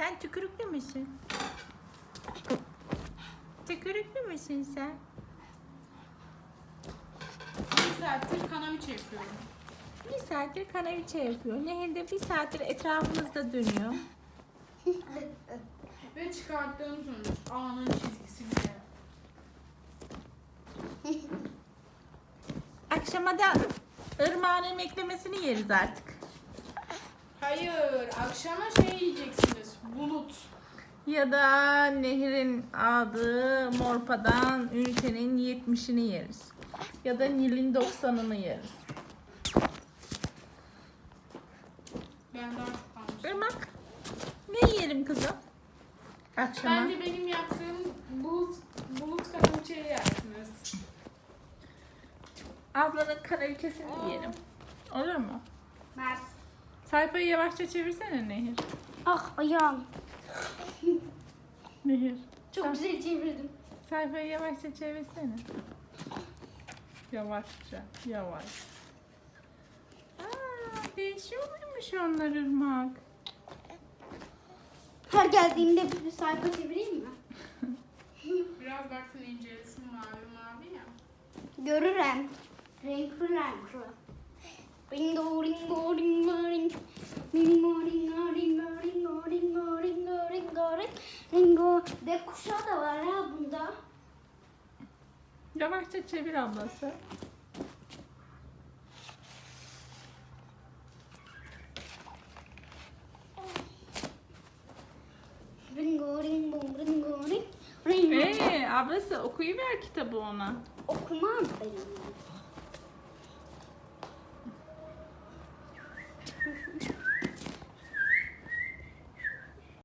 Sen tükürüklü müsün? Tükürüklü müsün sen? Bir saattir kanaviçe yapıyorum. Bir saattir kanaviçe yapıyor. Nehir de bir saattir etrafımızda dönüyor. Ve çıkarttığım sonuç A'nın çizgisi bile. Akşama da ırmağın emeklemesini yeriz artık. Hayır, akşama şey yiyeceksiniz. Bulut. Ya da Nehir'in aldığı Morpa'dan ünitenin 70'ini yeriz. Ya da Nil'in 90'ını yeriz. Ben daha çok kalmışım. Irmak, ne yiyelim kızım? Akşama. Bence benim yaptığım bulut kanaviçeyi yersiniz. Ablanın kanaviçesini yiyelim. Olur mu? Mert. Sayfayı yavaşça çevirsene Nehir. Ah ayağım. Nehir. Çok güzel çevirdim. Sayfayı yavaşça çevirsene. Yavaşça, yavaş. Aa, değişiyor muymuş onlar Irmak? Her geldiğimde bir sayfa çevireyim mi? Biraz baksana incelesin mavi mavi ya. Görürüm. Renkli renkli. Ringo ringo ringo ring. Ringo ringo ringo ringo ringo ringo ringo ring. Ringo. De kuşağı da var ya bunda. Yavaşça çevir ablası. Ringo ringo ringo ring. Ringo. Ablası okuyuver kitabı ona. Okumam benim.